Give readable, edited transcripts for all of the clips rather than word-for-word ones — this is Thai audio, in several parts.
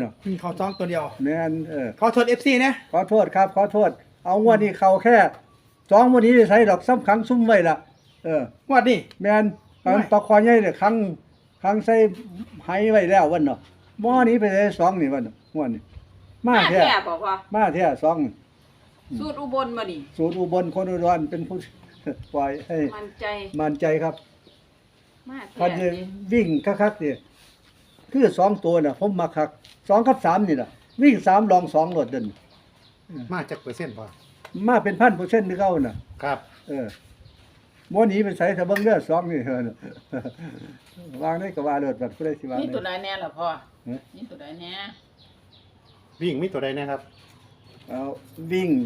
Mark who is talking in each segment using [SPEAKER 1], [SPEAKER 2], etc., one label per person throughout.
[SPEAKER 1] มีเขาจ้องตัวเดียว
[SPEAKER 2] แม่น
[SPEAKER 1] ขอโทษ FC นะ
[SPEAKER 2] ขอโทษครับขอโทษเอางวดนี้เข้าแค่2วันนี้ได้ใช้ดอกซ้ำครั้งซุ่มไว้ล่ะ
[SPEAKER 1] งวดนี้
[SPEAKER 2] แม่นการปลาคอใหญ่เนี่ยครั้งใส่ไหไว้แล้ววันเนาะหม้อนี้ไปได้2นี่วันงวดนี้มาแท้
[SPEAKER 3] บอกว่า
[SPEAKER 2] มาแท้2
[SPEAKER 3] สูตรอุบลมาดิ
[SPEAKER 2] สูตรอุบลคนอุดรเป็นผู้ปล่อยให้
[SPEAKER 3] มั่นใจ
[SPEAKER 2] ครับ
[SPEAKER 3] มา
[SPEAKER 2] คัน
[SPEAKER 3] แท้
[SPEAKER 2] วิ่งคักๆนี่คือ2ตัวน่ะผมมักคัก2กับ3นี่ล่ะวิ่ง3ลอง2รถเดิน
[SPEAKER 4] มาจากเปอร์เซ็นต์ป่ะ
[SPEAKER 2] มาเป็น 1,000% คือเก่าน่ะ
[SPEAKER 4] ครับ
[SPEAKER 2] บ่หนีไปใส่ถ้าเบิ่งเด้อ2นี่วางได้ก็ว่าเลิศบัดผู้ใดสิว่า
[SPEAKER 5] มี
[SPEAKER 2] ได้
[SPEAKER 5] ตัวใดแน่ล่ะพ่อมีตัวใดแน่
[SPEAKER 4] วิ่งมีตัวใดนะครับ
[SPEAKER 2] เอาวิ่ง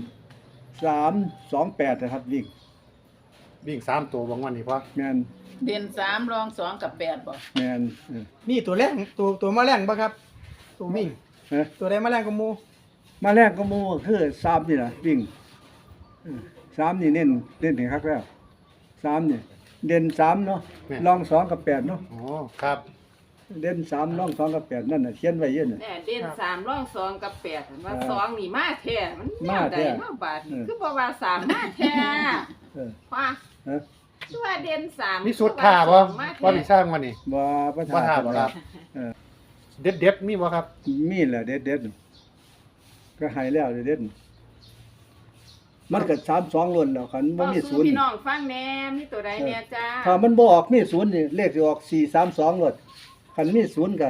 [SPEAKER 2] 328นะครับวิ่ง
[SPEAKER 4] วิ่ง3ตัวบางวันนี่พ่อ
[SPEAKER 2] แม่น
[SPEAKER 5] เด่น3รอง2กับ8บ่
[SPEAKER 2] แม่น
[SPEAKER 1] มีตัวแรงตัวมาแรงบ่ครับ ตัววิ่ง ตัวใดมาแรงกว่าหมู่
[SPEAKER 2] มาแรกก็หมู่คือ3นี่ล่ะวิ่ง3นี่เน้นให้คักแล้ว3นี่เด่น3เนาะรอง2กับ8เนาะ
[SPEAKER 4] อ๋อครับ
[SPEAKER 2] เด่น3รอง2กับ8นั่นน่ะเขียนไว้เยอะน่ะ
[SPEAKER 3] แน่เด่น3ร่อง2กับ8ว่า2นี่มาแท้มัน
[SPEAKER 2] มาแท้
[SPEAKER 3] แนวใดมาบาดคือบ่ว่า3มาแท้
[SPEAKER 2] เออ
[SPEAKER 3] ว่า
[SPEAKER 2] ฮะ
[SPEAKER 3] คือว่าเด่น3
[SPEAKER 4] มีสุดท่าบ่ว่ามีสร้างวันนี้
[SPEAKER 2] บ่ประ
[SPEAKER 4] ว่าท่า
[SPEAKER 2] ทา
[SPEAKER 4] บ่ครับ
[SPEAKER 2] เออ
[SPEAKER 4] เด็ดมีบ่ครับ
[SPEAKER 2] มีแหละเด็ดก็ให้แล้วเด็ดมันก็32ล้วนแล้วคันบ่มี
[SPEAKER 3] สู้
[SPEAKER 2] ศูนย์
[SPEAKER 3] พี่น้องฟังแน่มีตัวใดแน่จ้า
[SPEAKER 2] ถ้ามันบ่ออกมีศูนย์นี่เลขสิออก432ล้วนคันมีศูนย์ก็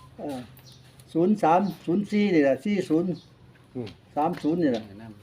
[SPEAKER 2] 03 04นี่ล่ะ40
[SPEAKER 4] อืม
[SPEAKER 2] 30นี่ล่ะ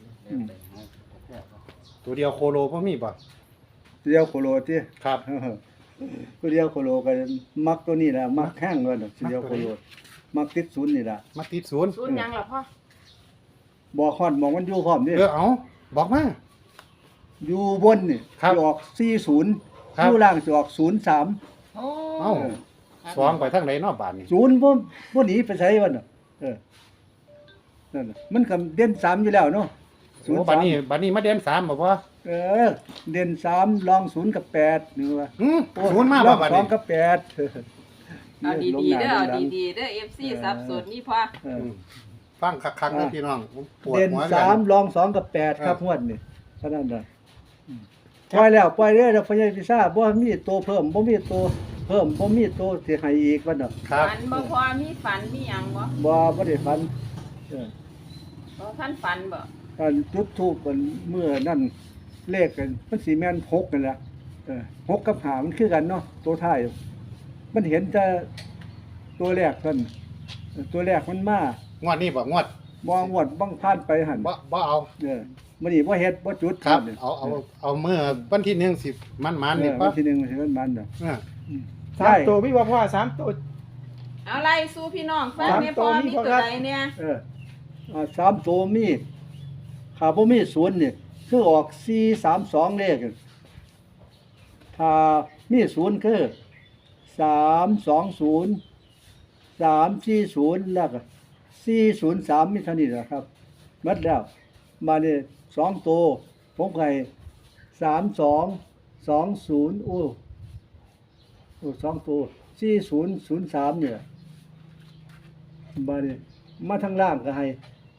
[SPEAKER 4] ตัวเดียวโคโลบ่มีบ่
[SPEAKER 2] เดียวโคโลติ
[SPEAKER 4] ครับ
[SPEAKER 2] ตัวเดียวโคโลก็มักตัวนี้ล่ะมักแห้งว่าดอกเดียวโคโลมักติดศูนย์นี่ล่ะ
[SPEAKER 4] มาติดศูนย์
[SPEAKER 3] ศูนย์หยังล่ะพ่อ
[SPEAKER 2] บ่ฮอดหมองมันอยู่พร้อมนี่
[SPEAKER 4] เอาบอกมา
[SPEAKER 2] อยู่บนนี่
[SPEAKER 4] ครับ
[SPEAKER 2] สิออก40
[SPEAKER 4] ครับ
[SPEAKER 2] อยู่ล่างสิออก03
[SPEAKER 5] โอ้
[SPEAKER 4] เอ้าสองไปทางไหนเนาะบาดนี้
[SPEAKER 2] ศูนย์บ่หนีไปไสวะน่ะนั่นน่ะมันก็เด่น3อยู่แล้วเนาะ
[SPEAKER 4] โอ้บัดนี้มาเด่น3บ่พ่อ
[SPEAKER 2] เออเด่น3รอง0กับ8นี่ว่า
[SPEAKER 4] ศูนย์มาบ่บัด
[SPEAKER 2] รอ
[SPEAKER 4] นี้
[SPEAKER 2] ง2กับ8
[SPEAKER 3] เอาดีๆเด้อเอาดีๆเด้อ FC สับสนนี่พ่อ
[SPEAKER 2] เออ
[SPEAKER 4] ฟังคักๆนะพี่น้องผมปวด
[SPEAKER 2] เด่น
[SPEAKER 4] หัว
[SPEAKER 2] 3รอง2กับ8ครับงวดนี่เท่านั้นน่ะปล่อยแล้วเด้อพญาพิซ่าบ่มีตัวเพิ่มบ่มีตัวเพิ่มบ่มีตัวสิให้อีกว่าน่ะ
[SPEAKER 4] ครับ
[SPEAKER 3] ฝันบ่พอมีฝันมีหยังบ่
[SPEAKER 2] บ่ได้ฝันเออ
[SPEAKER 3] บ่ท่านฝันบ่
[SPEAKER 2] อันจุดธูปมันเมื่อนั่นเลขกันมันสิแม่น6นั่นแหละ6กับ5มันคือกันเนาะตัวท้ายมันเห็นแต่ตัวแรกเพิ่นตัวแรกมันมาง
[SPEAKER 4] วดนี้บ่งวด
[SPEAKER 2] บ่งวดบังผ่านไปหั่น
[SPEAKER 4] บ่เอา
[SPEAKER 2] มื้อนี้บ่เฮ็ดบ่จุด
[SPEAKER 4] ครับ
[SPEAKER 2] เนี่ย
[SPEAKER 4] เอาเมื่อวันที่1 10มันนี่
[SPEAKER 2] วั
[SPEAKER 4] ปั๊
[SPEAKER 2] น
[SPEAKER 4] บ
[SPEAKER 2] ที่1สิมันดอก
[SPEAKER 1] สามตัวพี่ว่าพ่อ3ตัว
[SPEAKER 3] เอาไล่สู้พี่น้องฟังแม่พ่อ
[SPEAKER 1] สามตัวมี
[SPEAKER 3] มี
[SPEAKER 1] พอ
[SPEAKER 3] ตัว
[SPEAKER 1] ครับ
[SPEAKER 3] ใดเนี่ย
[SPEAKER 2] 3ตัวมีถ้าบ่มีศูนย์นี่คือออก432เลขถ้ามีศูนย์คือ320 340แล้วก็403มีเท่านี้แหละครับหมดแล้วมานี่2ตัวผมให้32202ตัว4003เนี่ยมานี่มาทางล่างก็ให้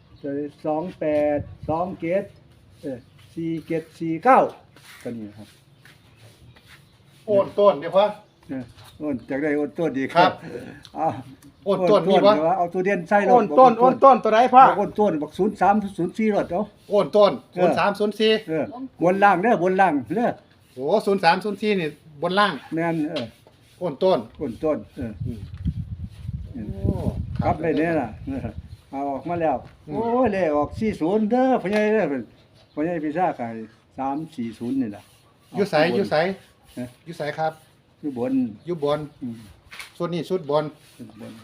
[SPEAKER 2] 28 27 4749ก็นี่ครับ
[SPEAKER 4] โอนต้นเดี๋ยวพ่อ
[SPEAKER 2] โอนจากได้โอนต้นดีค
[SPEAKER 4] ครั
[SPEAKER 2] รับบ เอา
[SPEAKER 4] โอนต้นมีบ่
[SPEAKER 2] เดี๋ยวเอาตัวเดียนใส่รถ
[SPEAKER 1] โอนต้นตัวใดพ่อ
[SPEAKER 2] โอนต้นบอก03 04รถเอา
[SPEAKER 4] โอนต้น
[SPEAKER 2] เออ
[SPEAKER 4] 0304
[SPEAKER 2] บนล่างเด้อบนล่างเด้อ
[SPEAKER 4] โอ้0304นี่บนล่าง
[SPEAKER 2] แม่น
[SPEAKER 4] โอนต้น
[SPEAKER 2] โอนต้น
[SPEAKER 4] โอ้
[SPEAKER 2] ครับได้เนี่ยล่ะเอาออกมาแล้วโอ้ยเลขออก40เด้อพ่อใหญ่เด้อพ่อใหญ่พิซซ่าขาย340นี่ล่ะ
[SPEAKER 4] อยู่ไสอยู่ไสอยู่ไสครับ
[SPEAKER 2] อยู่บน
[SPEAKER 4] อยู่บน
[SPEAKER 2] อืม
[SPEAKER 4] ส่วนนี้สุดบน
[SPEAKER 2] บน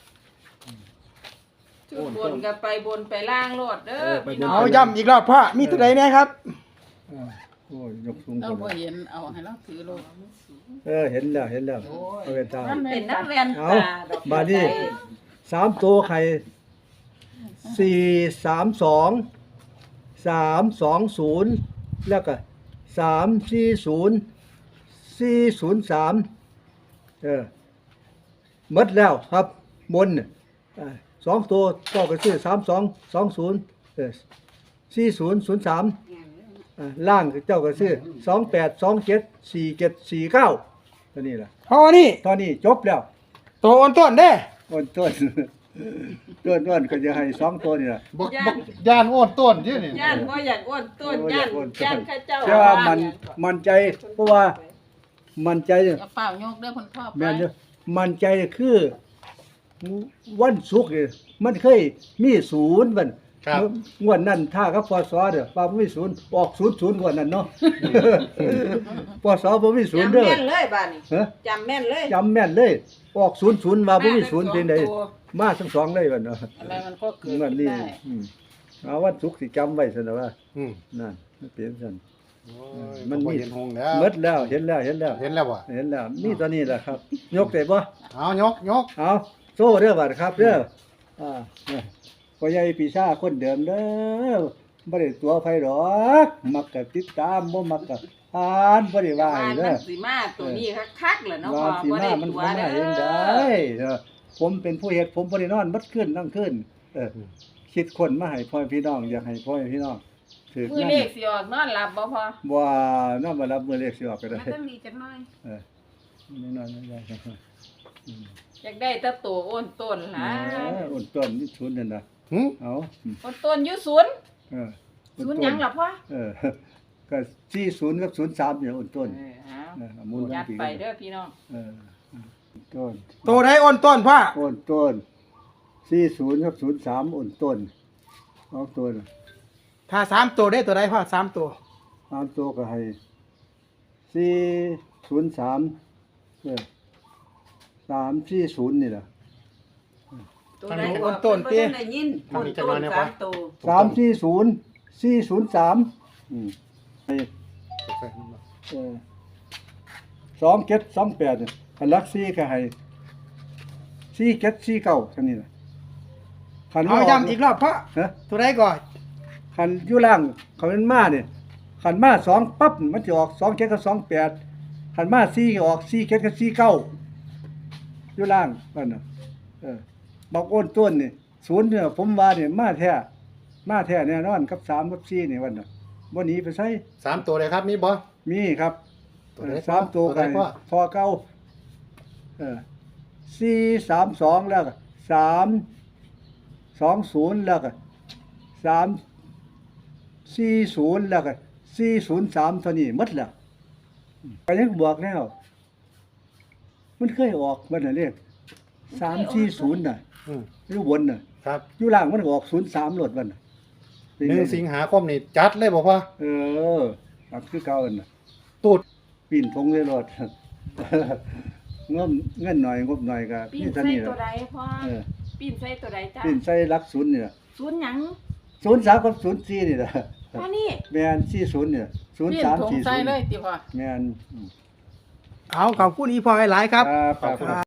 [SPEAKER 3] จุดบนก็ไปบนไปล่างโลดเด้อพี่น้อง
[SPEAKER 1] เอาย้ำอีกรอบพ่อมีตัวใดแน่ครับ
[SPEAKER 2] โอ้ยยกสูง
[SPEAKER 5] เรา
[SPEAKER 2] คน
[SPEAKER 5] บ่เห็นเอาให้เราถือโลด
[SPEAKER 2] เห็นแล้วเอาไปตาม
[SPEAKER 3] เป็นนักเรียน
[SPEAKER 2] เอา
[SPEAKER 3] ตาดอก
[SPEAKER 2] บาดนี้3ตัวไข่432 320แล้วก็340 403หมดแล้วครับบนน่ะ 2ตัวเจ้าก็ซื้อ32204003ล่างเจ้าก็ซื้อ28274749ตัวนี้ล่ะ
[SPEAKER 1] เพราะว่านี่
[SPEAKER 2] ตอนนี้จบแล้ว
[SPEAKER 1] ตัวอ้นต้นเด้
[SPEAKER 2] ต้นก็จะให้2ตัวนี่ล่ะ
[SPEAKER 4] บ่ย่านโอนต้นเด้นี่
[SPEAKER 3] ย่านบ่อยากอ้วนต้นย่านข้าเจ้า
[SPEAKER 2] แต่ว่ามันใจเพราะว่ามันใจ
[SPEAKER 5] อย่าเปล่ายกเด้อคุณพ่อไป
[SPEAKER 2] แม่นเด้อมันใจคือวันศุกร์นี่มันเคยมี0บัด
[SPEAKER 4] ครับ
[SPEAKER 2] งวดนั้นถ้ากับปศเด้อว่าบ่มี0ออก00งวดนั้นเนาะ ปศบ่มี0
[SPEAKER 3] จำ
[SPEAKER 2] เด้อ
[SPEAKER 3] แม่นเลยบ้านนี้
[SPEAKER 2] ฮะ
[SPEAKER 3] จำแม่นเลย
[SPEAKER 2] จำแม่นเลยออก00ว่าบ่มี0เป็นไดมาทั้งสองเลยบัดเนาะ
[SPEAKER 5] อะไรมันก็เกิด
[SPEAKER 2] งวด
[SPEAKER 5] ขึ้น
[SPEAKER 2] นี้
[SPEAKER 5] ได้
[SPEAKER 2] เอาวันศุกร์สิจำไว้ซั่นน่ะว่า
[SPEAKER 4] อืม
[SPEAKER 2] นั่นมันเป็นซั่น
[SPEAKER 4] โอ้ย
[SPEAKER 2] มันมี
[SPEAKER 4] บ่เห็นหงแล้ว
[SPEAKER 2] หมดแล้วเห็นแล้ว
[SPEAKER 4] เห็นแล้วบ่
[SPEAKER 2] เห็นแล้วนี่ตัวนี้แหละครับ ยกได้บ่
[SPEAKER 4] เอายก
[SPEAKER 2] เอาโซ่เด้อบัดครับเด้อเนี่ยพ่อใหญ่ปีชาคนเดิมเด้อบ่ได้ตัวไผดอกมักก็ติดตามบ่มักก็อ่านบ่ได้ว่า
[SPEAKER 3] บ้า
[SPEAKER 2] ให้
[SPEAKER 3] น
[SPEAKER 2] เด้
[SPEAKER 3] มั
[SPEAKER 2] อน
[SPEAKER 3] สิมาตัวนี้คักๆแหละเนาะ
[SPEAKER 2] ว่า
[SPEAKER 3] พ่อ
[SPEAKER 2] สิ
[SPEAKER 3] บ่
[SPEAKER 2] มา
[SPEAKER 3] ได้
[SPEAKER 2] มัน
[SPEAKER 3] ตัว
[SPEAKER 2] บ่มา
[SPEAKER 3] เด้
[SPEAKER 2] เองได้
[SPEAKER 3] อ
[SPEAKER 2] ผมเป็นผู้เฮ็ดผมบ่ได้นอนบัดคืนทั้งคืนคิดคนมาให้พ่อพี่น้องอยากให้พ่อพี่น้องถือ
[SPEAKER 5] มือ
[SPEAKER 2] นั่น
[SPEAKER 5] เลขสิออกนอนหลับบ่พอ
[SPEAKER 2] บ่นอนบ่รับมื้อเลขสิออกก็ได้
[SPEAKER 5] มันต้องมีจักหน่อย
[SPEAKER 2] นอนได้
[SPEAKER 3] อยากได้แตะตัวอ้นต้นล่ะ
[SPEAKER 2] อุ่นต้นนี่ชุนนั่นน่ะ
[SPEAKER 4] หึ
[SPEAKER 2] เอา
[SPEAKER 3] อ้นต้นอยู่ศูนย์
[SPEAKER 2] เออ
[SPEAKER 3] ศูนย์หยังล่ะพ่อ
[SPEAKER 2] เออก็40กับ03เนี่ยอุ่นต้น
[SPEAKER 3] เอา
[SPEAKER 2] หมุน
[SPEAKER 3] ยัดไปเด้อพี่น้อง
[SPEAKER 2] เออต้น
[SPEAKER 1] ตัวใดอ้นต้นพ่อ
[SPEAKER 2] อุ่นต้น40กับ03อุ่นต้นเอาตัวน่ะ
[SPEAKER 1] ถ้าสามตัวได้ตัวใดพ่อสามตัว
[SPEAKER 2] 3ตัวก็ให้403340นี่ล่ะ
[SPEAKER 3] ตัวใดอ้นต้นเตี้ยได้ยิน
[SPEAKER 4] ทาง
[SPEAKER 3] อ้น
[SPEAKER 4] นี้จะ
[SPEAKER 3] ต้
[SPEAKER 4] มาน เนี่ย
[SPEAKER 3] สา
[SPEAKER 4] ปะ
[SPEAKER 3] มตัว
[SPEAKER 2] 340 403ให้2728เนี่ยคันลักซี่ก็ให้4749ซั่นนี่ล่ะคัน
[SPEAKER 1] เอาย้ำอีกรอบพ่อ
[SPEAKER 2] ฮะ
[SPEAKER 1] ตัวใดก่อน
[SPEAKER 2] คันอยู่ล่างคันมันมาเนี่ยคันมา2ปั๊บมันจะออก27กับ28คันมา4ก็ออก47กับ49อยู่ล่างนั่นน่ะบอกโอนต้นนี่0เนี่ยผมว่าเนี่ยมาแท้แน่นอนกับ3กับ4นี่วันน่ะบ่หนีไปไส
[SPEAKER 4] 3ตัวเลยครับมีบ่
[SPEAKER 2] มีครับ
[SPEAKER 4] ตัวไหน
[SPEAKER 2] สามตัว
[SPEAKER 4] ตัวไหน
[SPEAKER 2] กัน
[SPEAKER 4] พ่อ
[SPEAKER 2] พอเก่า432แล้วก็320แล้วก็340แล้วก็403เท่านี้หมดแล้วก็ยังบอกแล้ว มันเคยออกมันน่ะเลข340น่ะ
[SPEAKER 4] อืม
[SPEAKER 2] อยู่บนน่ะ
[SPEAKER 4] ครับ
[SPEAKER 2] อยู่ล่างมันก็ออก03โลดมันน่ะเป็นไง
[SPEAKER 4] 1สิงหาคมนี่จัดเลยบ่พ่อ
[SPEAKER 2] ครับคือเก่าอันน่ะ
[SPEAKER 4] ตูด
[SPEAKER 2] ปีนทงเลยโลด เงินหน่อยงบหน่อยก็
[SPEAKER 3] ปีน
[SPEAKER 2] นี่เท่า
[SPEAKER 3] ใส่
[SPEAKER 2] นี้
[SPEAKER 3] ตัว
[SPEAKER 2] ล่ะ
[SPEAKER 3] ใดพ่อ
[SPEAKER 2] เออ
[SPEAKER 3] ปีนใส่ตัวใดจ้า
[SPEAKER 2] ปีนใส่หลักศูนย์นี่ล่ะ
[SPEAKER 3] ศูนย์หยัง
[SPEAKER 2] 03กับ04นี่ล่ะ
[SPEAKER 3] พ่อนี่
[SPEAKER 2] แม่น40เนี่ย
[SPEAKER 5] เปลี่ยนถุงใส่เลย
[SPEAKER 2] 0340
[SPEAKER 5] ติพ่อ
[SPEAKER 2] แม่น
[SPEAKER 1] เอาขอบคุณอีพ่อหลายๆครับ
[SPEAKER 2] ครับ